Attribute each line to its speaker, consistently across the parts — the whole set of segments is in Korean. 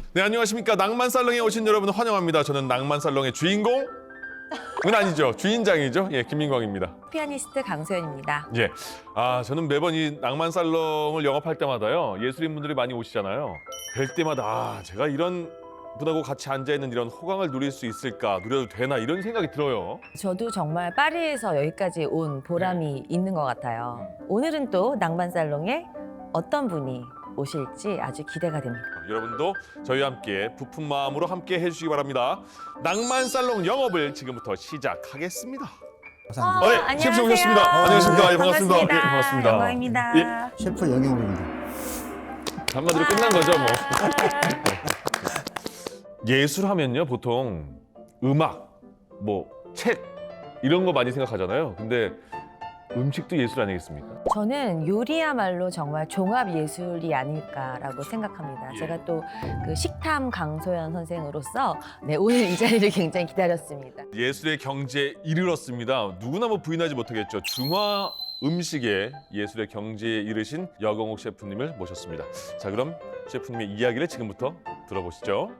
Speaker 1: 네, 안녕하십니까. 낭만살롱에 오신 여러분 환영합니다. 저는 낭만살롱의 주인공은 아니죠. 주인장이죠. 예, 김민광입니다.
Speaker 2: 피아니스트 강소연입니다.
Speaker 1: 예. 저는 매번 이 낭만살롱을 영업할 때마다요. 예술인분들이 많이 오시잖아요. 뵐 때마다 제가 이런 분하고 같이 앉아있는 이런 호강을 누릴 수 있을까, 누려도 되나 이런 생각이 들어요.
Speaker 2: 저도 정말 파리에서 여기까지 온 보람이 있는 것 같아요. 오늘은 또 낭만살롱에 어떤 분이 오실지 아주 기대가 됩니다.
Speaker 1: 여러분도 저희와 함께 부푼 마음으로 함께 해주시기 바랍니다. 낭만살롱 영업을 지금부터 시작하겠습니다.
Speaker 3: 감사합니다.
Speaker 1: 네, 셰프 오셨습니다. 안녕하십니까. 예, 반갑습니다. 예,
Speaker 2: 반갑습니다.
Speaker 1: 반갑습니다.
Speaker 2: 영광입니다.
Speaker 3: 셰프 영영우입니다.
Speaker 1: 한마디로 끝난 거죠, 뭐. 예술하면요, 보통 음악, 뭐 책 이런 거 많이 생각하잖아요. 근데 음식도 예술 아니겠습니까?
Speaker 2: 저는 요리야말로 정말 종합 예술이 아닐까라고 생각합니다.
Speaker 1: 예.
Speaker 2: 제가 또 그 식탐 강소연 선생으로서 오늘 이 자리를 굉장히 기다렸습니다.
Speaker 1: 예술의 경지에 이르렀습니다. 누구나 뭐 부인하지 못하겠죠. 중화 음식의 예술의 경지에 이르신 여경옥 셰프님을 모셨습니다. 자, 그럼 셰프님의 이야기를 지금부터 들어보시죠.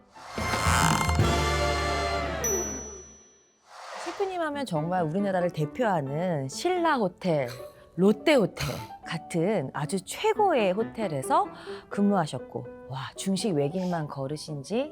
Speaker 2: 셰프님 하면 정말 우리나라를 대표하는 신라 호텔, 롯데 호텔 같은 아주 최고의 호텔에서 근무하셨고, 와, 중식 외길만 걸으신 지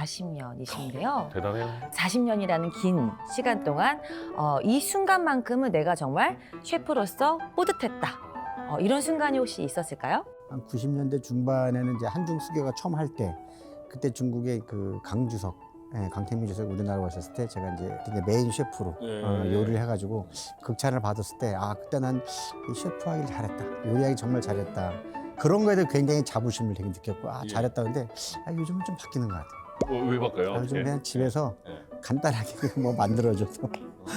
Speaker 2: 40년이신데요.
Speaker 1: 대단해요.
Speaker 2: 40년이라는 긴 시간 동안 이 순간만큼은 내가 정말 셰프로서 뿌듯했다. 이런 순간이 혹시 있었을까요?
Speaker 3: 한 90년대 중반에는 이제 한중 수교가 처음 할 때, 그때 중국의 그 강주석, 강태민 주석이 우리나라 오셨을 때 제가 이제 메인 셰프로 요리를 해가지고 극찬을 받았을 때, 그때 난 이 셰프 하길 잘했다, 요리하기 정말 잘했다, 그런 거에 대해 굉장히 자부심을 되게 느꼈고,
Speaker 1: 예.
Speaker 3: 잘했다. 근데 요즘은 좀 바뀌는 것 같아요.
Speaker 1: 왜 바꿔요?
Speaker 3: 요즘
Speaker 1: 예.
Speaker 3: 그냥 집에서
Speaker 1: 예.
Speaker 3: 간단하게 뭐 만들어줘서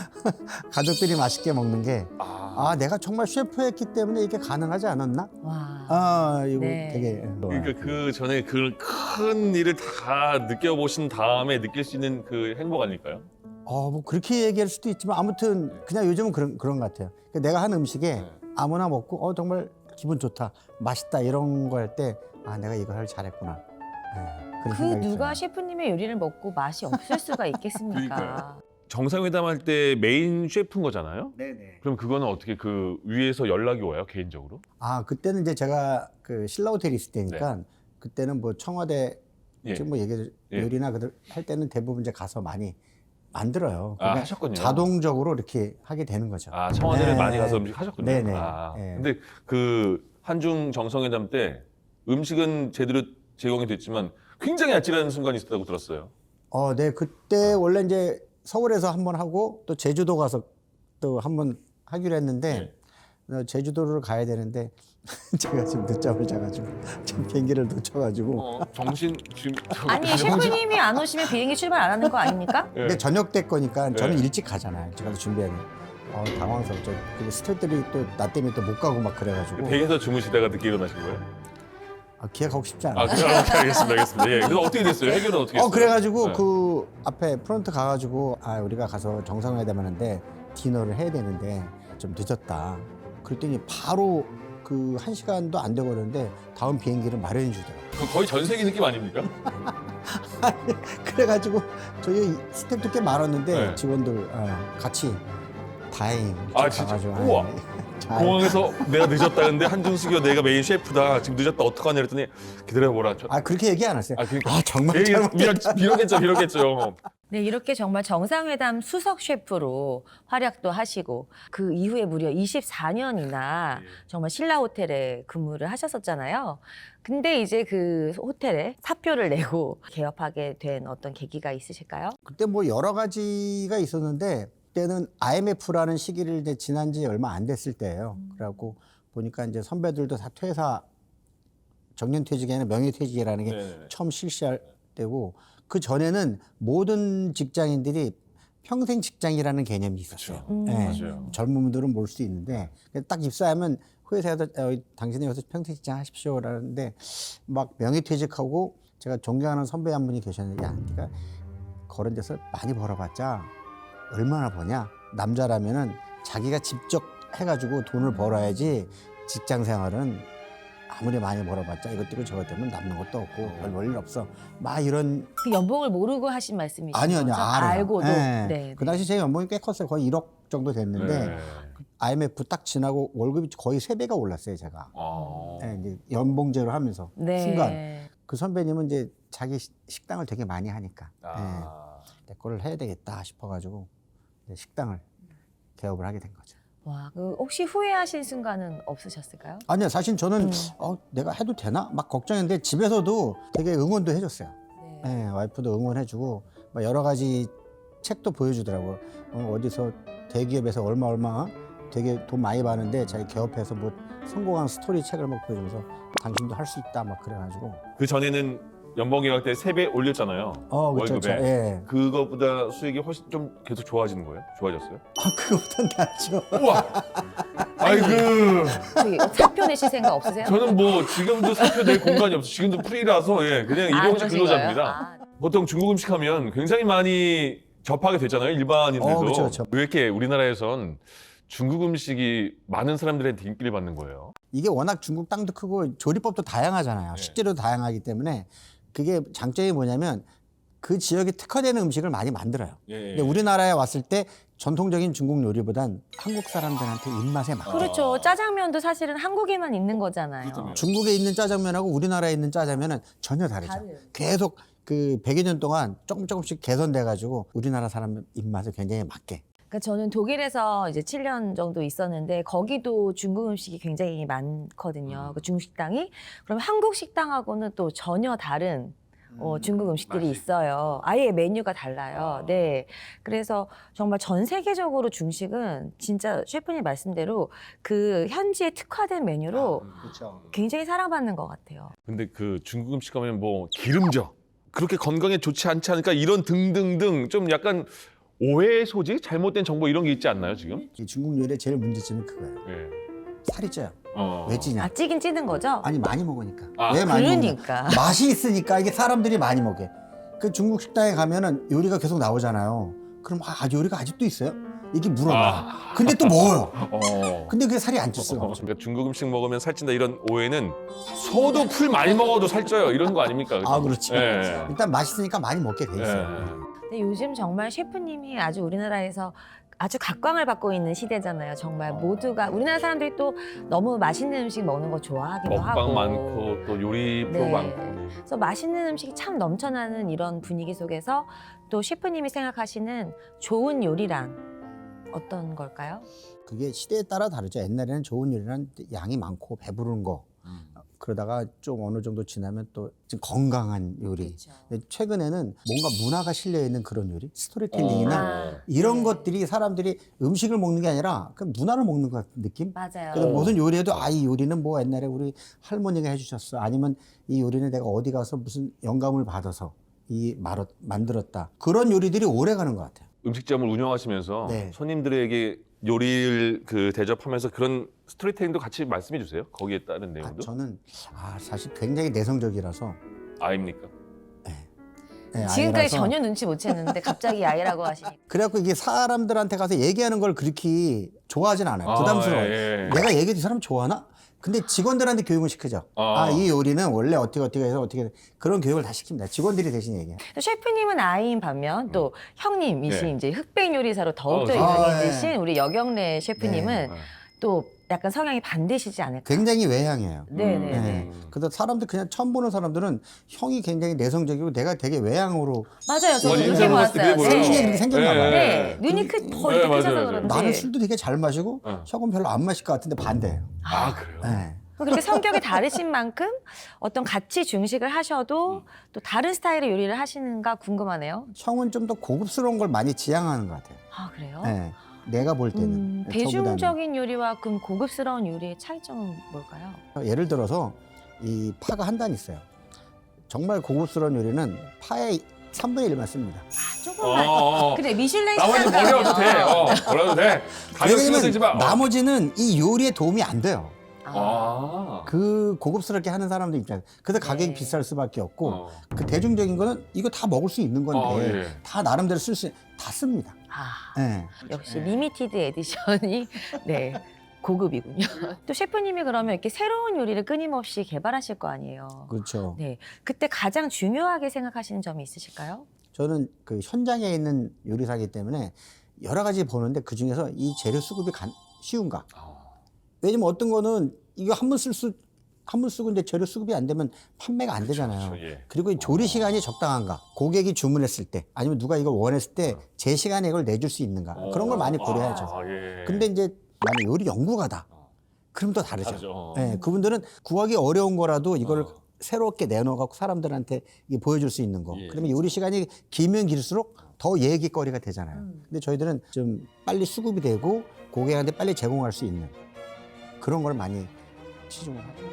Speaker 3: 가족들이 맛있게 먹는 게, 내가 정말 셰프였기 때문에 이게 가능하지 않았나?
Speaker 2: 와.
Speaker 3: 이거
Speaker 2: 네.
Speaker 3: 되게
Speaker 1: 그러니까 그 전에 그 큰 일을 다 느껴보신 다음에 느낄 수 있는 그 행복 아닐까요?
Speaker 3: 뭐 그렇게 얘기할 수도 있지만, 아무튼 그냥 요즘은 그런 것 같아요. 그러니까 내가 한 음식에
Speaker 1: 네.
Speaker 3: 아무나 먹고 정말 기분 좋다, 맛있다 이런 거 할 때, 내가 이걸 할 잘했구나. 그런
Speaker 2: 그
Speaker 3: 생각이
Speaker 2: 누가
Speaker 3: 들어요.
Speaker 2: 셰프님의 요리를 먹고 맛이 없을 수가 있겠습니까?
Speaker 1: 그러니까요. 정상회담 할 때 메인 셰프인 거잖아요?
Speaker 3: 네네.
Speaker 1: 그럼 그거는 어떻게 그 위에서 연락이 와요, 개인적으로?
Speaker 3: 그때는 이제 제가 그 신라 호텔에 있을 때니까, 그때는 뭐 청와대
Speaker 1: 예.
Speaker 3: 지금 뭐 얘기
Speaker 1: 예.
Speaker 3: 요리나 그들 할 때는 대부분 이제 가서 많이 만들어요. 그러니까
Speaker 1: 하셨군요.
Speaker 3: 자동적으로 이렇게 하게 되는 거죠.
Speaker 1: 청와대를
Speaker 3: 네.
Speaker 1: 많이 가서 음식 하셨군요.
Speaker 3: 네네. 네.
Speaker 1: 근데 그 한중 정상회담 때 음식은 제대로 제공이 됐지만 굉장히 아찔한 순간이 있었다고 들었어요.
Speaker 3: 네. 그때 원래 이제 서울에서 한 번 하고 또 제주도 가서 또 한 번 하기로 했는데, 제주도를 가야 되는데 제가 지금 늦잠을 자가지고 참 비행기를 놓쳐가지고.
Speaker 1: 정신 지금
Speaker 2: 아니, 셰프님이 안 오시면 비행기 출발 안 하는 거 아닙니까?
Speaker 1: 예.
Speaker 3: 근데 저녁 때 거니까 저는
Speaker 1: 네.
Speaker 3: 일찍 가잖아요. 제가 준비해야 돼. 당황스럽죠. 근데 스태프들이 또 나 때문에 또 못 가고 막 그래가지고.
Speaker 1: 댁에서 주무시다가 늦게 일어나신 거예요?
Speaker 3: 기억하고 싶지 않아요.
Speaker 1: 알겠습니다. 예. 그래서 어떻게 됐어요? 해결은 어떻게 했어요?
Speaker 3: 그래가지고
Speaker 1: 네.
Speaker 3: 그 앞에 프론트 가가지고, 우리가 가서 정상회담 하는데 디너를 해야 되는데 좀 늦었다. 그랬더니 바로 그 1시간도 안 되고 그러는데 다음 비행기를 마련해 주더라고요.
Speaker 1: 그거 거의 전 세계 느낌 아닙니까?
Speaker 3: 그래가지고 저희 스태프도 꽤 많았는데,
Speaker 1: 네.
Speaker 3: 직원들 같이 다행히
Speaker 1: 진짜?
Speaker 3: 가가지고,
Speaker 1: 우와.
Speaker 3: 잘.
Speaker 1: 공항에서 내가 늦었다는데 한준숙이가 내가 메인 셰프다. 지금 늦었다 어떡하냐 그랬더니 기다려보라.
Speaker 3: 그렇게 얘기 안 했어요.
Speaker 1: 그러니까
Speaker 3: 정말 잘못했다.
Speaker 1: 비로겠죠.
Speaker 2: 네, 이렇게 정말 정상회담 수석 셰프로 활약도 하시고, 그 이후에 무려 24년이나 정말 신라 호텔에 근무를 하셨었잖아요. 근데 이제 그 호텔에 사표를 내고 개업하게 된 어떤 계기가 있으실까요?
Speaker 3: 그때 뭐 여러 가지가 있었는데, 그때는 IMF라는 시기를 이제 지난 지 얼마 안 됐을 때예요. 그래갖고 보니까 이제 선배들도 다 퇴사, 정년퇴직이 아니라 명예퇴직이라는 게
Speaker 1: 네네네.
Speaker 3: 처음 실시할 때고, 그 전에는 모든 직장인들이 평생 직장이라는 개념이 있었어요.
Speaker 1: 맞아요.
Speaker 3: 젊은 분들은 모를 수 있는데, 딱 입사하면 회사에서 당신이 여기서 평생 직장 하십시오라는데, 막 명예퇴직하고, 제가 존경하는 선배 한 분이 계셨는데, 네가 그런 데서 많이 벌어봤자 얼마나 버냐? 남자라면은 자기가 직접 해가지고 돈을 벌어야지 직장 생활은 아무리 많이 벌어봤자 이것 때문에 저것 때문에 남는 것도 없고 별 볼 일 없어. 막 이런.
Speaker 2: 그 연봉을 모르고 하신 말씀이시죠?
Speaker 3: 아니요, 알아요.
Speaker 2: 알고도.
Speaker 3: 네.
Speaker 2: 네.
Speaker 3: 그 당시 제 연봉이 꽤 컸어요. 거의 1억 정도 됐는데
Speaker 1: 네.
Speaker 3: IMF 딱 지나고 월급이 거의 3배가 올랐어요, 제가. 네, 이제 연봉제로 하면서
Speaker 2: 네.
Speaker 3: 순간. 그 선배님은 이제 자기 식당을 되게 많이 하니까 내 거를 해야 되겠다 싶어가지고 이제 식당을 개업을 하게 된 거죠.
Speaker 2: 와, 그 혹시 후회하신 순간은 없으셨을까요?
Speaker 3: 아니요, 사실 저는 내가 해도 되나? 막 걱정했는데 집에서도 되게 응원도 해줬어요.
Speaker 2: 네.
Speaker 3: 네, 와이프도 응원해주고 막 여러 가지 책도 보여주더라고요. 어디서 대기업에서 얼마 되게 돈 많이 받는데 자기 개업해서 뭐 성공한 스토리 책을 막 보여주면서 당신도 할 수 있다 막 그래가지고.
Speaker 1: 그 전에는 연봉 계약 때 3배 올렸잖아요.
Speaker 3: 그렇죠.
Speaker 1: 월급에.
Speaker 3: 예.
Speaker 1: 그거보다 수익이 훨씬 좀 계속 좋아지는 거예요? 좋아졌어요?
Speaker 3: 그거보단 낫죠.
Speaker 1: 우와. 아이고.
Speaker 2: 저기 사표 내실 생각 없으세요?
Speaker 1: 저는 뭐 지금도 사표 낼 공간이 없어. 지금도 프리라서 예, 그냥 일용직
Speaker 2: 그러신
Speaker 1: 근로자입니다.
Speaker 2: 거예요? 아,
Speaker 1: 보통 중국 음식 하면 굉장히 많이 접하게 되잖아요. 일반인들도.
Speaker 3: 그렇죠.
Speaker 1: 왜 이렇게 우리나라에선 중국 음식이 많은 사람들한테 인기를 받는 거예요?
Speaker 3: 이게 워낙 중국 땅도 크고 조리법도 다양하잖아요. 식재료도 다양하기 때문에 그게 장점이 뭐냐면 그 지역에 특화되는 음식을 많이 만들어요. 근데 우리나라에 왔을 때 전통적인 중국 요리보단 한국 사람들한테 입맛에 맞게.
Speaker 2: 그렇죠. 짜장면도 사실은 한국에만 있는 거잖아요.
Speaker 1: 그렇다며요.
Speaker 3: 중국에 있는 짜장면하고 우리나라에 있는 짜장면은 전혀 다르죠.
Speaker 2: 다르죠.
Speaker 3: 계속 그 100여 년 동안 조금씩 개선돼가지고 우리나라 사람 입맛에 굉장히 맞게.
Speaker 2: 그러니까 저는 독일에서 이제 7년 정도 있었는데 거기도 중국 음식이 굉장히 많거든요. 그 중국 식당이. 그럼 한국 식당하고는 또 전혀 다른 중국 음식들이
Speaker 1: 맛이.
Speaker 2: 있어요. 아예 메뉴가 달라요. 네. 그래서 정말 전 세계적으로 중식은 진짜 셰프님 말씀대로 그 현지에 특화된 메뉴로
Speaker 3: 그렇죠.
Speaker 2: 굉장히 사랑받는 것 같아요.
Speaker 1: 근데 그 중국 음식 가면 뭐 기름져. 그렇게 건강에 좋지 않지 않을까 이런 등등등 좀 약간 오해의 소지? 잘못된 정보 이런 게 있지 않나요, 지금?
Speaker 3: 이 중국 요리의 제일 문제점이 그거예요.
Speaker 1: 예.
Speaker 3: 살이 쪄요. 왜 찌냐?
Speaker 2: 아, 찌긴 찌는 거죠?
Speaker 3: 아니 많이 먹으니까.
Speaker 1: 아,
Speaker 3: 왜 많이 먹냐?
Speaker 2: 그러니까.
Speaker 3: 맛이 있으니까 이게 사람들이 많이 먹게. 그 중국 식당에 가면은 요리가 계속 나오잖아요. 그럼 요리가 아직도 있어요? 이게 물어봐. 근데 또 먹어요. 근데 그게 살이 안 쪘어.
Speaker 1: 그러니까 중국 음식 먹으면 살찐다 이런 오해는 소도 풀 많이 먹어도 살쪄요 이런 거 아닙니까?
Speaker 3: 그렇죠.
Speaker 1: 예.
Speaker 3: 일단 맛있으니까 많이 먹게 돼 있어요.
Speaker 1: 예.
Speaker 2: 근데 요즘 정말 셰프님이 아주 우리나라에서 아주 각광을 받고 있는 시대잖아요. 정말 모두가 우리나라 사람들이 또 너무 맛있는 음식 먹는 거 좋아하기도 하고
Speaker 1: 먹방 많고 또 요리 프로
Speaker 2: 네.
Speaker 1: 많고.
Speaker 2: 그래서 맛있는 음식이 참 넘쳐나는 이런 분위기 속에서 또 셰프님이 생각하시는 좋은 요리란 어떤 걸까요?
Speaker 3: 그게 시대에 따라 다르죠. 옛날에는 좋은 요리는 양이 많고 배부른 거. 그러다가 좀 어느 정도 지나면 또 좀 건강한 요리.
Speaker 2: 그렇죠.
Speaker 3: 근데 최근에는 뭔가 문화가 실려 있는 그런 요리, 스토리텔링이나 이런
Speaker 2: 네.
Speaker 3: 것들이 사람들이 음식을 먹는 게 아니라 그 문화를 먹는 것 같은 느낌?
Speaker 2: 맞아요.
Speaker 3: 그래서 무슨 요리에도 이 요리는 뭐 옛날에 우리 할머니가 해주셨어. 아니면 이 요리는 내가 어디 가서 무슨 영감을 받아서 만들었다. 그런 요리들이 오래 가는 것 같아요.
Speaker 1: 음식점을 운영하시면서
Speaker 3: 네.
Speaker 1: 손님들에게 요리를 대접하면서 그런 스토리텔링도 같이 말씀해 주세요. 거기에 따른 내용도.
Speaker 3: 저는 사실 굉장히 내성적이라서.
Speaker 1: 아입니까?
Speaker 3: 네,
Speaker 2: 지금까지
Speaker 3: 아이라서.
Speaker 2: 전혀 눈치 못 챘는데 갑자기 아이라고 하시니까
Speaker 3: 그래갖고 이게 사람들한테 가서 얘기하는 걸 그렇게 좋아하진 않아요. 부담스러워요.
Speaker 1: 예.
Speaker 3: 내가 얘기해도 이 사람 좋아하나? 근데 직원들한테 교육을 시키죠. 이 요리는 원래 어떻게 해서 어떻게 그런 교육을 다 시킵니다. 직원들이 대신 얘기해요.
Speaker 2: 셰프님은 아이인 반면 또 형님이신
Speaker 1: 예.
Speaker 2: 이제 흑백 요리사로 더욱더 유명해지신 우리 여경래 셰프님은 또 약간 성향이 반대시지 않을까?
Speaker 3: 굉장히 외향이에요.
Speaker 2: 네네네.
Speaker 3: 네. 그래서 사람들 그냥 처음 보는 사람들은 형이 굉장히 내성적이고 내가 되게 외향으로
Speaker 2: 맞아요. 저도
Speaker 1: 원래
Speaker 2: 그렇게
Speaker 1: 인상을 봤을 때
Speaker 2: 봤어요.
Speaker 1: 그게
Speaker 3: 생긴 게
Speaker 1: 보여요.
Speaker 3: 그렇게 생겼나 봐요.
Speaker 2: 네, 눈이 더
Speaker 1: 네,
Speaker 2: 이렇게 크셔서
Speaker 1: 맞아요.
Speaker 2: 그런지.
Speaker 3: 나는 술도 되게 잘 마시고
Speaker 1: 네.
Speaker 3: 형은 별로 안 마실 것 같은데 반대예요.
Speaker 1: 그래요?
Speaker 3: 네.
Speaker 2: 그렇게 성격이 다르신 만큼 어떤 같이 중식을 하셔도 또 다른 스타일의 요리를 하시는가 궁금하네요.
Speaker 3: 형은 좀 더 고급스러운 걸 많이 지향하는 것 같아요.
Speaker 2: 아, 그래요?
Speaker 3: 네. 내가 볼 때는. 저보다는.
Speaker 2: 대중적인 요리와 그럼 고급스러운 요리의 차이점은 뭘까요?
Speaker 3: 예를 들어서 이 파가 한 단 있어요. 정말 고급스러운 요리는 파의 3분의 1만 씁니다.
Speaker 2: 아, 조금만. 그래, 미슐랭
Speaker 1: 나머지
Speaker 2: 시간
Speaker 1: 버려도 돼.
Speaker 2: 가면.
Speaker 1: 버려도 돼. 가격 신경 쓰지 마.
Speaker 3: 나머지는 이 요리에 도움이 안 돼요.
Speaker 2: 아,
Speaker 3: 그 고급스럽게 하는 사람들 입장에서. 그래서 가격이
Speaker 2: 네.
Speaker 3: 비쌀 수밖에 없고 그 대중적인 거는 이거 다 먹을 수 있는 건데
Speaker 1: 예.
Speaker 3: 다 나름대로 다 씁니다.
Speaker 2: 아,
Speaker 3: 네.
Speaker 2: 역시 리미티드 에디션이 네. 고급이군요. 또 셰프님이 그러면 이렇게 새로운 요리를 끊임없이 개발하실 거 아니에요.
Speaker 3: 그렇죠.
Speaker 2: 네, 그때 가장 중요하게 생각하시는 점이 있으실까요?
Speaker 3: 저는 그 현장에 있는 요리사이기 때문에 여러 가지 보는데 그 중에서 이 재료 수급이 쉬운가? 왜냐면 어떤 거는 이거 한 번 쓰고 이제 재료 수급이 안 되면 판매가 안 되잖아요.
Speaker 1: 그렇죠. 예.
Speaker 3: 그리고 이 조리 시간이 적당한가? 고객이 주문했을 때 아니면 누가 이걸 원했을 때 제 시간에 이걸 내줄 수 있는가? 그런 걸 많이 고려해야죠.
Speaker 1: 예.
Speaker 3: 근데 이제 만약 요리 연구가다. 그럼 또 다르죠.
Speaker 1: 다르죠.
Speaker 3: 예, 그분들은 구하기 어려운 거라도 이걸 새롭게 내놓아갖고 사람들한테 이게 보여줄 수 있는 거.
Speaker 1: 예.
Speaker 3: 그러면 요리 시간이 길면 길수록 더 얘기거리가 되잖아요. 근데 저희들은 좀 빨리 수급이 되고 고객한테 빨리 제공할 수 있는 그런 걸 많이 치중을 하죠.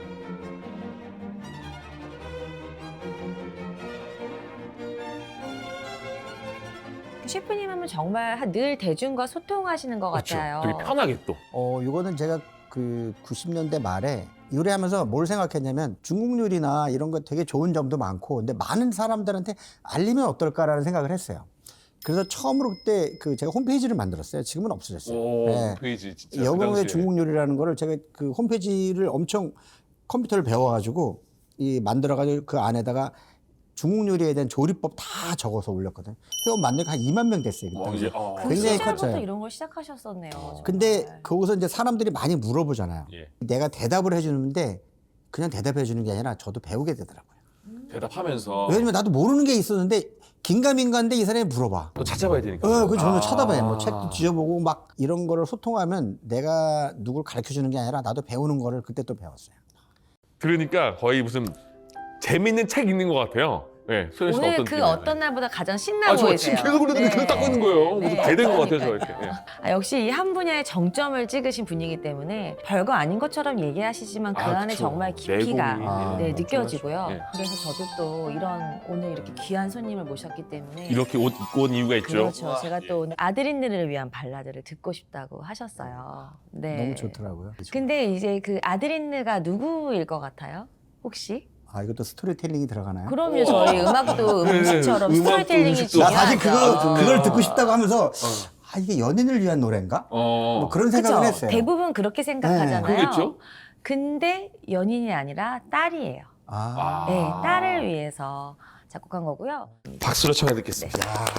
Speaker 2: 셰프님 하면 정말 늘 대중과 소통하시는 것
Speaker 1: 그렇죠.
Speaker 2: 같아요.
Speaker 1: 되게 편하게 또.
Speaker 3: 이거는 제가 그 90년대 말에 요리하면서 뭘 생각했냐면 중국 요리나 이런 거 되게 좋은 점도 많고 근데 많은 사람들한테 알리면 어떨까라는 생각을 했어요. 그래서 처음으로 그때 그 제가 홈페이지를 만들었어요. 지금은 없어졌어요.
Speaker 1: 오,
Speaker 3: 네.
Speaker 1: 페이지 진짜. 그
Speaker 3: 여공의
Speaker 1: 당시에.
Speaker 3: 중국 요리라는 거를 제가 그 홈페이지를 엄청 컴퓨터를 배워가지고 이 만들어가지고 그 안에다가 중국 요리에 대한 조리법 다 적어서 올렸거든요. 회원 만들고 한 2만 명 됐어요. 그때.
Speaker 1: 이제
Speaker 2: 그
Speaker 3: 굉장히
Speaker 2: 시절부터
Speaker 3: 컸어요.
Speaker 2: 이런 걸 시작하셨었네요. 정말.
Speaker 3: 근데 거기서 이제 사람들이 많이 물어보잖아요.
Speaker 1: 예.
Speaker 3: 내가 대답을 해주는데 그냥 대답해 주는 게 아니라 저도 배우게 되더라고요.
Speaker 1: 대답하면서
Speaker 3: 왜냐면 나도 모르는 게 있었는데 긴가민가인데 이 사람이 물어봐.
Speaker 1: 또 찾아봐야 되니까.
Speaker 3: 그 저는 찾아봐요. 뭐 책도 뒤져보고 막 이런 거를 소통하면 내가 누굴 가르쳐 주는 게 아니라 나도 배우는 거를 그때 또 배웠어요.
Speaker 1: 그러니까 거의 무슨 재밌는 책 읽는 것 같아요. 네, 소연 씨는
Speaker 2: 오늘
Speaker 1: 어떤
Speaker 2: 그
Speaker 1: 느낌이에요?
Speaker 2: 어떤 날보다 가장 신나
Speaker 1: 저
Speaker 2: 보이세요.
Speaker 1: 지금 계속 그러는데 계속 닦고 있는 거예요. 무슨
Speaker 2: 네.
Speaker 1: 대된 것 같아요, 저 이렇게. 예.
Speaker 2: 역시 이 한 분야의 정점을 찍으신 분이기 때문에 별거 아닌 것처럼 얘기하시지만 그 안에
Speaker 1: 그쵸.
Speaker 2: 정말 깊이가
Speaker 1: 내공이,
Speaker 3: 예.
Speaker 2: 느껴지고요.
Speaker 1: 예.
Speaker 2: 그래서 저도 또 이런 오늘 이렇게 귀한 손님을 모셨기 때문에
Speaker 1: 이렇게 옷 입고 온 이유가 있죠.
Speaker 2: 그렇죠. 제가 또 오늘 아드린느를 위한 발라드를 듣고 싶다고 하셨어요. 네.
Speaker 3: 너무 좋더라고요.
Speaker 2: 근데 이제 그 아드린느가 누구일 것 같아요? 혹시?
Speaker 3: 이것도 스토리텔링이 들어가나요?
Speaker 2: 그럼요. 저희 음악도
Speaker 1: 네,
Speaker 2: 음식처럼
Speaker 1: 음악도
Speaker 2: 스토리텔링이
Speaker 1: 음식도.
Speaker 3: 나
Speaker 2: 중요하죠.
Speaker 3: 사실 그걸 듣고 싶다고 하면서 이게 연인을 위한 노래인가?
Speaker 1: 어.
Speaker 3: 뭐 그런 생각을
Speaker 2: 그쵸?
Speaker 3: 했어요.
Speaker 2: 대부분 그렇게 생각하잖아요.
Speaker 1: 그러겠죠?
Speaker 2: 근데 연인이 아니라 딸이에요.
Speaker 3: 아,
Speaker 2: 네, 딸을 위해서 작곡한 거고요.
Speaker 1: 박수로 청해 듣겠습니다.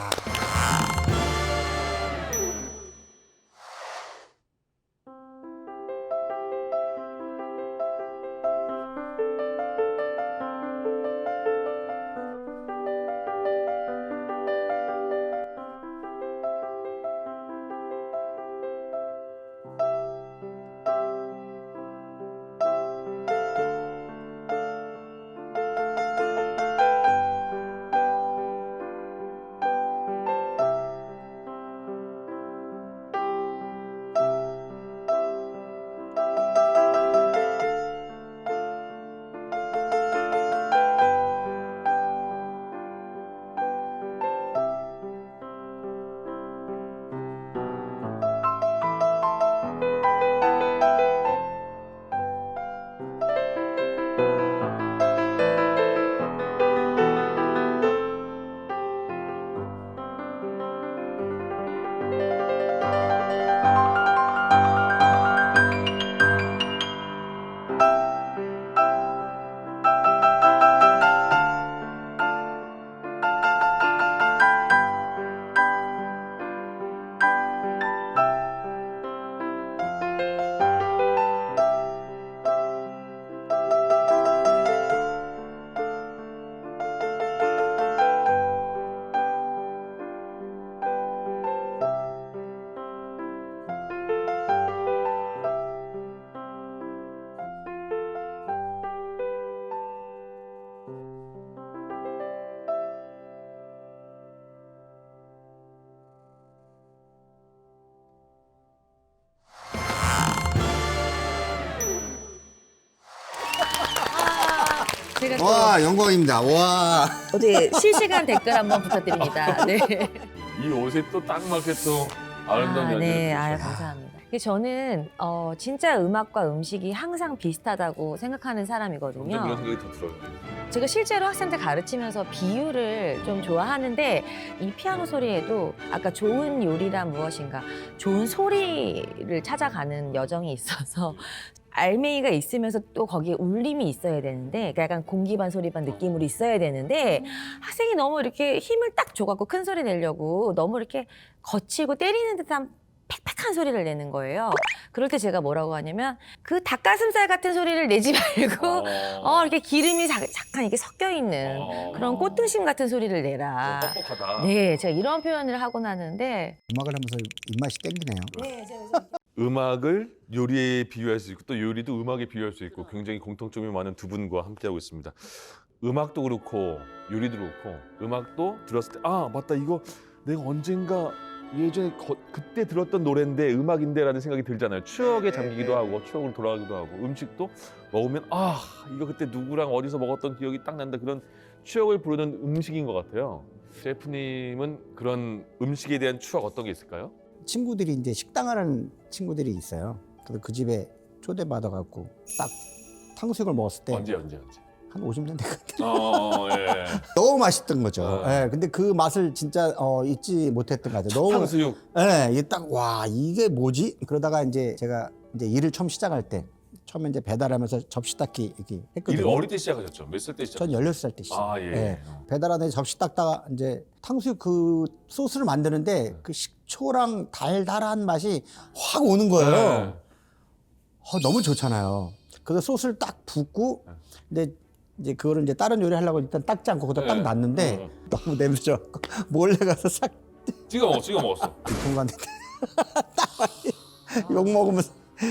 Speaker 2: 제가 또
Speaker 3: 와, 영광입니다. 와.
Speaker 2: 어디 실시간 댓글 한번 부탁드립니다. 네.
Speaker 1: 이 옷에 또 딱 맞게 또 아름다운 연주를
Speaker 2: 네,
Speaker 1: 해주셨어요.
Speaker 2: 감사합니다. 저는 진짜 음악과 음식이 항상 비슷하다고 생각하는
Speaker 1: 점점
Speaker 2: 사람이거든요.
Speaker 1: 그런 생각이 더 들어요.
Speaker 2: 제가 실제로 학생들 가르치면서 비유를 좀 좋아하는데 이 피아노 소리에도 아까 좋은 요리란 무엇인가 좋은 소리를 찾아가는 여정이 있어서 알맹이가 있으면서 또 거기에 울림이 있어야 되는데 그러니까 약간 공기 반 소리 반 느낌으로 있어야 되는데 학생이 너무 이렇게 힘을 딱 줘갖고 큰 소리 내려고 너무 이렇게 거칠고 때리는 듯한 팩팩한 소리를 내는 거예요. 그럴 때 제가 뭐라고 하냐면 그 닭가슴살 같은 소리를 내지 말고 이렇게 기름이 잠깐 이렇게 섞여 있는 그런 꽃등심 같은 소리를 내라.
Speaker 1: 뻑뻑하다.
Speaker 2: 네, 제가 이런 표현을 하곤 하는데
Speaker 3: 음악을 하면서 입맛이 땡기네요.
Speaker 2: 네, 제가
Speaker 1: 음악을 요리에 비유할 수 있고 또 요리도 음악에 비유할 수 있고 굉장히 공통점이 많은 두 분과 함께하고 있습니다. 음악도 그렇고 요리도 그렇고 음악도 들었을 때 아 맞다 이거 내가 언젠가 예전에 그때 들었던 노래인데 음악인데라는 생각이 들잖아요. 추억에 잠기기도 하고 추억으로 돌아가기도 하고 음식도 먹으면 아 이거 그때 누구랑 어디서 먹었던 기억이 딱 난다 그런 추억을 부르는 음식인 것 같아요. 셰프님은 그런 음식에 대한 추억 어떤 게 있을까요?
Speaker 3: 친구들이 이제 식당을 하는 친구들이 있어요. 그래서 그 집에 초대받아갖고 딱 탕수육을 먹었을 때
Speaker 1: 언제?
Speaker 3: 한 50년 됐거든요.
Speaker 1: 예.
Speaker 3: 너무 맛있던 거죠.
Speaker 1: 네.
Speaker 3: 예, 근데 그 맛을 진짜 잊지 못했던 것 같아요. 너무
Speaker 1: 탕수육.
Speaker 3: 예, 이게 딱 와 이게 뭐지? 그러다가 이제 제가 이제 일을 처음 시작할 때 처음에 이제 배달하면서 접시 닦기 이렇게 했거든요.
Speaker 1: 일을 어릴 때 시작하셨죠? 몇 살 때
Speaker 3: 전
Speaker 1: 시작하셨죠?
Speaker 3: 16살 때 시작.
Speaker 1: 아 예.
Speaker 3: 배달하다 접시 닦다가 이제 탕수육 그 소스를 만드는데 그 식초랑 달달한 맛이 확 오는 거예요.
Speaker 1: 네.
Speaker 3: 너무 좋잖아요. 그래서 소스를 딱 붓고 근데 이제 그거를 이제 다른 요리 하려고 일단 닦지 않고 거기다 딱 놨는데 너무 냄새져 몰래 가서 싹
Speaker 1: 찍어 먹었어.
Speaker 3: 중간에 욕 먹으면서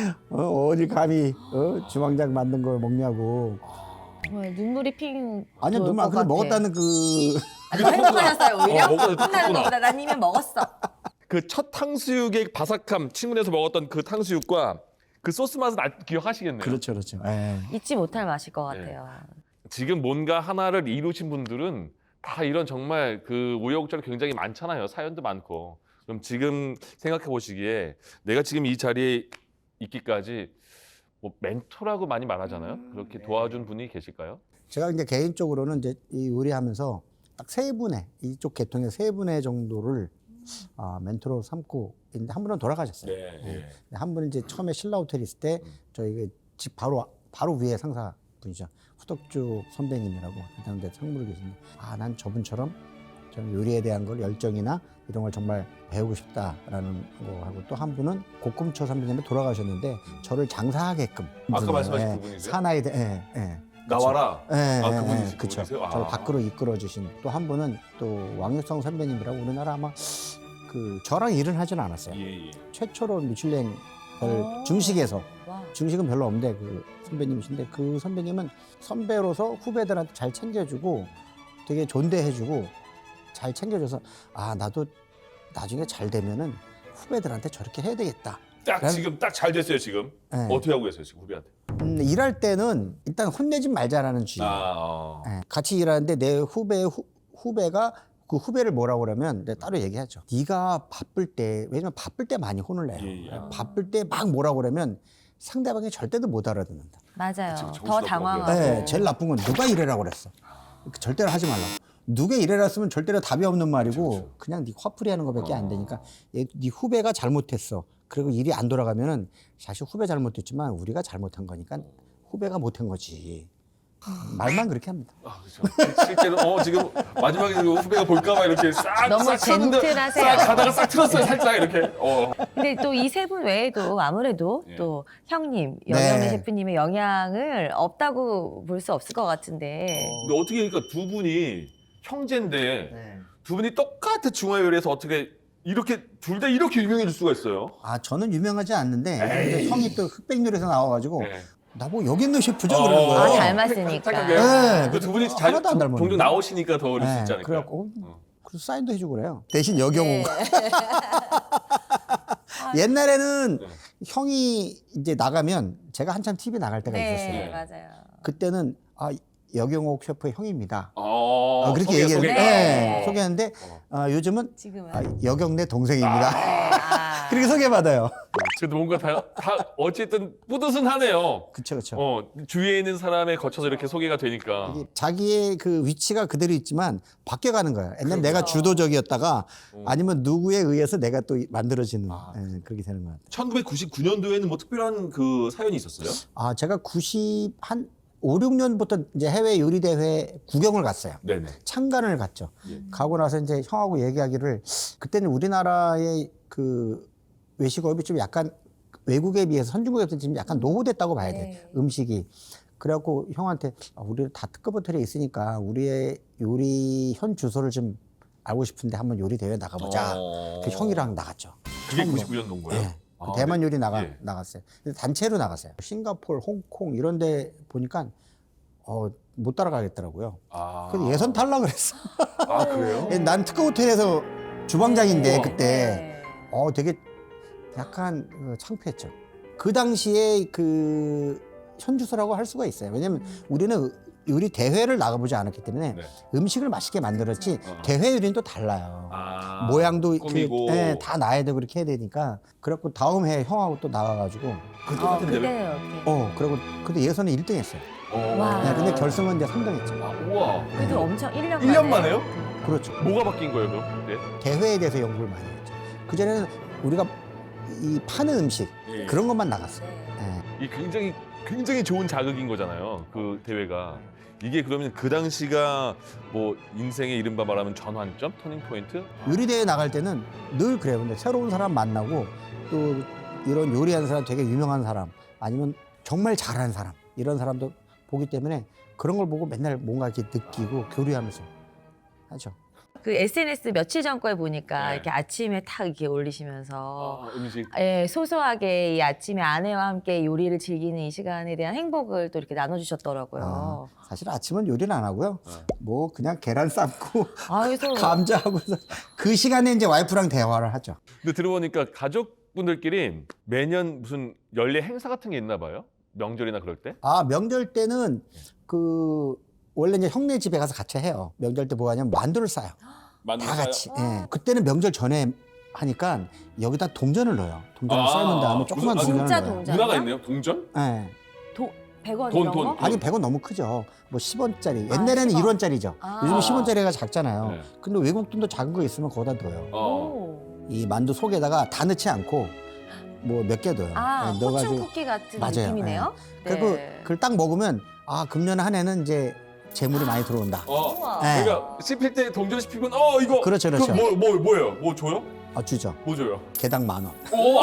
Speaker 3: 어디 감히 주방장 만든 걸 먹냐고.
Speaker 2: 정말 눈물이 핑.
Speaker 3: 아니요
Speaker 2: 돌
Speaker 3: 눈물
Speaker 2: 것
Speaker 3: 안 근데
Speaker 2: 같아.
Speaker 3: 먹었다는 그
Speaker 2: 더 행복하셨어요 오히려?
Speaker 1: 먹어도
Speaker 2: 끝나는
Speaker 1: 탔구나.
Speaker 2: 것보다 난 이미 먹었어.
Speaker 1: 그 첫 탕수육의 바삭함, 친구네에서 먹었던 그 탕수육과 그 소스 맛은 기억하시겠네요.
Speaker 3: 그렇죠. 예.
Speaker 2: 잊지 못할 맛일 것
Speaker 1: 네.
Speaker 2: 같아요.
Speaker 1: 지금 뭔가 하나를 이루신 분들은 다 이런 정말 그 우여곡절이 굉장히 많잖아요. 사연도 많고. 그럼 지금 생각해 보시기에 내가 지금 이 자리에 있기까지 뭐 멘토라고 많이 말하잖아요. 그렇게 도와준 분이 계실까요?
Speaker 3: 제가 이제 개인적으로는 이제 이 요리하면서 딱 세 분의 이쪽 계통의 세 분의 정도를 멘토로 삼고 있는데 한 분은 돌아가셨어요.
Speaker 1: 네.
Speaker 3: 한 분은 이제 처음에 신라 호텔 있을 때 저희 집 바로 위에 상사 분이죠. 후덕주 선배님이라고 그다음에 상무로 계신데 난 저분처럼 저는 요리에 대한 걸 열정이나 이런 걸 정말 배우고 싶다라는 거 하고 또 한 분은 고금초 선배님이 돌아가셨는데 저를 장사하게끔
Speaker 1: 아까 말씀하신
Speaker 3: 예,
Speaker 1: 그분이세요?
Speaker 3: 사나이들
Speaker 1: 나와라.
Speaker 3: 그분이세요.
Speaker 1: 그렇죠.
Speaker 3: 저를 밖으로 이끌어 주신 또 한 분은 또 왕유성 선배님이라고 우리나라 아마 그 저랑 일은 하지는 않았어요.
Speaker 1: 예.
Speaker 3: 최초로 미슐랭 중식에서
Speaker 2: 와.
Speaker 3: 중식은 별로 없는데 그 선배님이신데 그 선배님은 선배로서 후배들한테 잘 챙겨주고 되게 존대해주고 잘 챙겨줘서 나도 나중에 잘 되면은 후배들한테 저렇게 해야 되겠다.
Speaker 1: 지금 딱 잘 됐어요 지금.
Speaker 3: 네.
Speaker 1: 어떻게 하고 계세요 지금 후배한테?
Speaker 3: 일할 때는 일단 혼내지 말자라는 주의. 같이 일하는데 내 후배가 그 후배를 뭐라고 그러면 내가 따로 얘기하죠. 네가 바쁠 때 왜냐면 바쁠 때 많이 혼을 내요.
Speaker 1: 예.
Speaker 3: 바쁠 때 막 뭐라고 그러면 상대방이 절대로 못 알아듣는다.
Speaker 2: 맞아요.
Speaker 1: 그치,
Speaker 2: 더
Speaker 1: 정신없고
Speaker 2: 당황하고.
Speaker 3: 네, 제일 나쁜 건 누가 이래라고 그랬어. 절대로 하지 말라고. 누가 이래라 쓰면 절대로 답이 없는 말이고 그냥 네 화풀이 하는 것밖에 안 되니까 네 후배가 잘못했어. 그리고 일이 안 돌아가면은 사실 후배 잘못했지만 우리가 잘못한 거니까 후배가 못한 거지. 말만 그렇게 합니다.
Speaker 1: 그렇죠. 실제로 지금 마지막에 그 후배가 볼까봐 이렇게 싹
Speaker 2: 너무
Speaker 1: 싹 틀었는데
Speaker 2: 젠틀하세요.
Speaker 1: 싹 가다가 싹 틀었어요 살짝 이렇게.
Speaker 2: 근데 또 이 세 분 외에도 아무래도
Speaker 1: 예.
Speaker 2: 또 형님, 영영래
Speaker 3: 네.
Speaker 2: 셰프님의 영향을 없다고 볼 수 없을 것 같은데.
Speaker 1: 근데 어떻게 그러니까 두 분이 형제인데 두 분이 똑같은 중화 요리에서 어떻게 이렇게 둘 다 이렇게 유명해질 수가 있어요?
Speaker 3: 저는 유명하지 않는데 근데 형이 또 흑백요리에서 나와가지고
Speaker 1: 네.
Speaker 3: 나보고 여기 있는 셰프죠 그러는 거예요.
Speaker 2: 닮았으니까.
Speaker 3: 네,
Speaker 1: 그 두 분이
Speaker 3: 하나도 안 닮았는데.
Speaker 1: 종종 나오시니까 더 그럴 수 있지 않을까요?
Speaker 3: 그래갖고 그래서 사인도 해주고 그래요. 대신 여경호가 옛날에는
Speaker 1: 네.
Speaker 3: 형이 이제 나가면 제가 한참 TV 나갈 때가 있었어요.
Speaker 2: 네, 맞아요.
Speaker 3: 그때는 여경옥 셰프의 형입니다. 그렇게
Speaker 1: 소개.
Speaker 3: 얘기했는데
Speaker 2: 네.
Speaker 3: 소개했는데 요즘은
Speaker 2: 지금은.
Speaker 3: 여경내 동생입니다.
Speaker 2: 네.
Speaker 3: 그렇게 소개받아요.
Speaker 1: 그래도 뭔가 다 어쨌든 뿌듯은하네요.
Speaker 3: 그쵸, 그쵸.
Speaker 1: 주위에 있는 사람에 거쳐서 이렇게 소개가 되니까.
Speaker 3: 이게 자기의 그 위치가 그대로 있지만 바뀌어가는 거예요. 옛날 내가 주도적이었다가 아니면 누구에 의해서 내가 또 만들어지는 예, 그렇게 되는 것 같아요.
Speaker 4: 1999년도에는 뭐 특별한 그 사연이 있었어요?
Speaker 3: 제가 90한 5, 6년부터 이제 해외 요리 대회 구경을 갔어요.
Speaker 4: 네네.
Speaker 3: 참관을 갔죠.
Speaker 4: 예.
Speaker 3: 가고 나서 이제 형하고 얘기하기를 그때는 우리나라의 그 외식업이 좀 약간 외국에 비해서 선진국에 비해서 지금 약간 노후됐다고 봐야 돼.
Speaker 2: 네.
Speaker 3: 음식이. 그래갖고 형한테 우리 다 특급 호텔에 있으니까 우리의 요리 현 주소를 좀 알고 싶은데 한번 요리 대회 나가보자. 그 형이랑 나갔죠.
Speaker 1: 그게
Speaker 3: 처음으로.
Speaker 1: 99년도인 거예요?
Speaker 3: 네. 그 대만 요리
Speaker 1: 예.
Speaker 3: 나갔어요. 근데 단체로 나갔어요. 싱가포르, 홍콩 이런 데 보니까 못 따라가겠더라고요. 그래서 예선 탈락을 했어.
Speaker 1: 그래요?
Speaker 3: 난 특급 호텔에서 주방장인데
Speaker 1: 우와.
Speaker 3: 그때 되게 약간 창피했죠. 그 당시에 그 현주소라고 할 수가 있어요. 왜냐면 우리는 요리 대회를 나가보지 않았기 때문에
Speaker 1: 네.
Speaker 3: 음식을 맛있게 만들었지 대회 요리는 또 달라요.
Speaker 1: 아,
Speaker 3: 모양도
Speaker 1: 꾸미고.
Speaker 3: 다 놔야 되고 이렇게 해야 되니까 그래갖고 다음 해 형하고 또 나가가지고
Speaker 1: 그 똑같은 대회?
Speaker 2: 그때요.
Speaker 3: 그리고 근데 예선은 1등 했어요.
Speaker 2: 와.
Speaker 3: 네, 근데 결승은 이제 3등 했죠.
Speaker 1: 우와.
Speaker 2: 그래도 엄청 1년
Speaker 1: 1년 만에요?
Speaker 3: 그렇죠.
Speaker 1: 뭐가 바뀐 거예요, 그럼? 그때?
Speaker 3: 대회에 대해서 연구를 많이 했죠. 그전에는 우리가 이 파는 음식
Speaker 1: 예.
Speaker 3: 그런 것만 나갔어요. 예.
Speaker 1: 이 굉장히 좋은 자극인 거잖아요. 그 대회가. 이게 그러면 그 당시가 뭐 인생의 이른바 말하면 전환점, 터닝 포인트?
Speaker 3: 요리 대회 나갈 때는 늘 그래요. 근데 새로운 사람 만나고 또 이런 요리하는 사람, 되게 유명한 사람, 아니면 정말 잘하는 사람 이런 사람도 보기 때문에 그런 걸 보고 맨날 뭔가 이렇게 느끼고 교류하면서 하죠.
Speaker 2: 그 SNS 며칠 전 거에 보니까
Speaker 1: 네.
Speaker 2: 이렇게 아침에 탁 이렇게 올리시면서
Speaker 1: 음식.
Speaker 2: 예, 소소하게 이 아침에 아내와 함께 요리를 즐기는 이 시간에 대한 행복을 또 이렇게 나눠주셨더라고요.
Speaker 3: 사실 아침은 요리는 안 하고요. 뭐 그냥 계란 삶고
Speaker 2: 그래서
Speaker 3: 감자하고 그 시간에 이제 와이프랑 대화를 하죠.
Speaker 1: 근데 들어보니까 가족분들끼리 매년 무슨 연례 행사 같은 게 있나 봐요? 명절이나 그럴 때?
Speaker 3: 명절 때는 원래 이제 형네 집에 가서 같이 해요. 명절 때 뭐 하냐면 만두를 싸요. 다 같이. 예. 그때는 명절 전에 하니까 여기다 동전을 넣어요. 동전을 삶은 다음에 조그만
Speaker 1: 무슨-
Speaker 3: 동전을
Speaker 2: 진짜
Speaker 3: 넣어요.
Speaker 2: 동전?
Speaker 1: 문화가 있네요. 동전?
Speaker 3: 예.
Speaker 2: 100원
Speaker 1: 돈,
Speaker 2: 이런
Speaker 1: 돈.
Speaker 2: 거?
Speaker 3: 아니 100원 너무 크죠. 뭐 10원짜리. 옛날에는
Speaker 2: 10원.
Speaker 3: 1원짜리죠. 요즘 10원짜리가 작잖아요.
Speaker 1: 네.
Speaker 3: 근데 외국 돈도 작은 거 있으면 거기다 넣어요.
Speaker 2: 오.
Speaker 3: 이 만두 속에다가 다 넣지 않고 뭐 몇 개 넣어요. 예,
Speaker 2: 포춘 쿠키 같은
Speaker 3: 맞아요.
Speaker 2: 느낌이네요.
Speaker 3: 그리고
Speaker 2: 네.
Speaker 3: 그걸 딱 먹으면 금년 한 해는 이제 재물이 많이 들어온다.
Speaker 2: 우와.
Speaker 3: 네.
Speaker 1: 그러니까 씹힐 때 동전 씹히면 이거.
Speaker 3: 그렇죠, 그렇죠.
Speaker 1: 그럼 뭐예요? 뭐 줘요?
Speaker 3: 주죠.
Speaker 1: 뭐 줘요?
Speaker 3: 개당 10,000원.
Speaker 1: 오,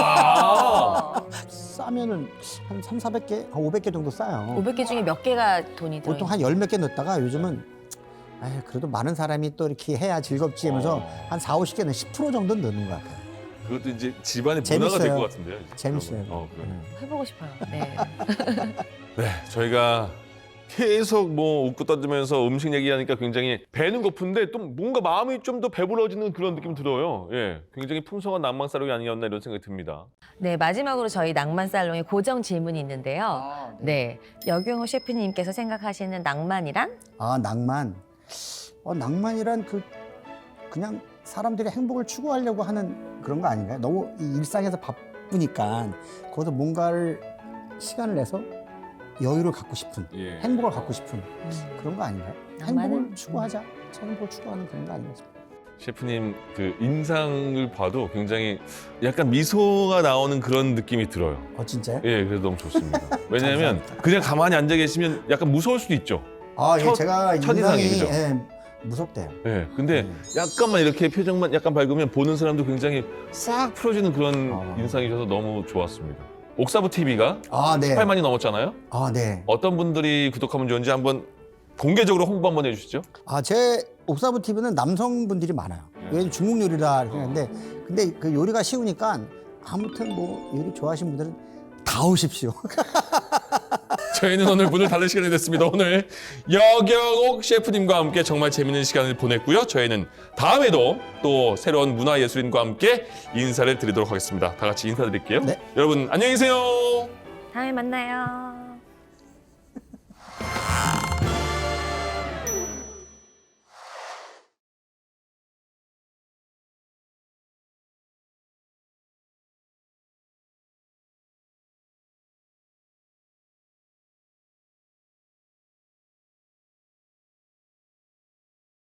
Speaker 3: 싸면은 한 3, 400개, 한 500개 정도 싸요.
Speaker 2: 500개 중에 몇 개가 돈이 들어
Speaker 3: 보통 한 10몇 개 넣었다가 요즘은 그래도 많은 사람이 또 이렇게 해야 즐겁지 하면서 한 4, 50개는 10% 정도 넣는 것 같아요.
Speaker 1: 그것도 이제 집안의 문화가 될
Speaker 3: 재밌어요.
Speaker 1: 것 같은데요.
Speaker 3: 재밌어요.
Speaker 1: 그러면.
Speaker 2: 해보고 싶어요. 네.
Speaker 1: 네, 저희가 계속 뭐 웃고 떠들면서 음식 얘기하니까 굉장히 배는 고픈데 또 뭔가 마음이 좀 더 배불러지는 그런 느낌 들어요. 예, 굉장히 풍성한 낭만 살롱이 아니었나 이런 생각이 듭니다.
Speaker 2: 네, 마지막으로 저희 낭만 살롱에 고정 질문이 있는데요. 네, 여경호 셰프님께서 생각하시는 낭만이란?
Speaker 3: 낭만. 낭만이란 그냥 사람들이 행복을 추구하려고 하는 그런 거 아닌가요? 너무 이 일상에서 바쁘니까 거기서 뭔가를 시간을 내서 여유를 갖고 싶은,
Speaker 1: 예.
Speaker 3: 행복을 갖고 싶은 그런 거 아닌가요?
Speaker 2: 낭만은?
Speaker 3: 행복을 추구하자. 행복을 추구하는 그런 거 아닌가 싶어요.
Speaker 1: 셰프님 그 인상을 봐도 굉장히 약간 미소가 나오는 그런 느낌이 들어요.
Speaker 3: 진짜요?
Speaker 1: 예, 그래서 너무 좋습니다. 왜냐하면
Speaker 3: 감사합니다.
Speaker 1: 그냥 가만히 앉아 계시면 약간 무서울 수도 있죠.
Speaker 3: 제가
Speaker 1: 첫인상이,
Speaker 3: 인상이
Speaker 1: 그죠?
Speaker 3: 무섭대요.
Speaker 1: 예, 근데 약간만 이렇게 표정만 약간 밝으면 보는 사람도 굉장히 싹 풀어지는 그런 인상이셔서 너무 좋았습니다. 옥사부 TV가
Speaker 3: 네.
Speaker 1: 18만이 넘었잖아요.
Speaker 3: 네.
Speaker 1: 어떤 분들이 구독하면 좋은지 한번 공개적으로 홍보 한번 해주시죠.
Speaker 3: 제 옥사부 TV는 남성분들이 많아요. 왜냐면 중국 요리라 생각하는데 근데 그 요리가 쉬우니까 아무튼 뭐 요리 좋아하시는 분들은 다 오십시오.
Speaker 1: 저희는 오늘 문을 닫을 시간이 됐습니다. 오늘 여경옥 셰프님과 함께 정말 재밌는 시간을 보냈고요. 저희는 다음에도 또 새로운 문화예술인과 함께 인사를 드리도록 하겠습니다. 다 같이 인사드릴게요.
Speaker 3: 네.
Speaker 1: 여러분 안녕히 계세요.
Speaker 2: 다음에 만나요.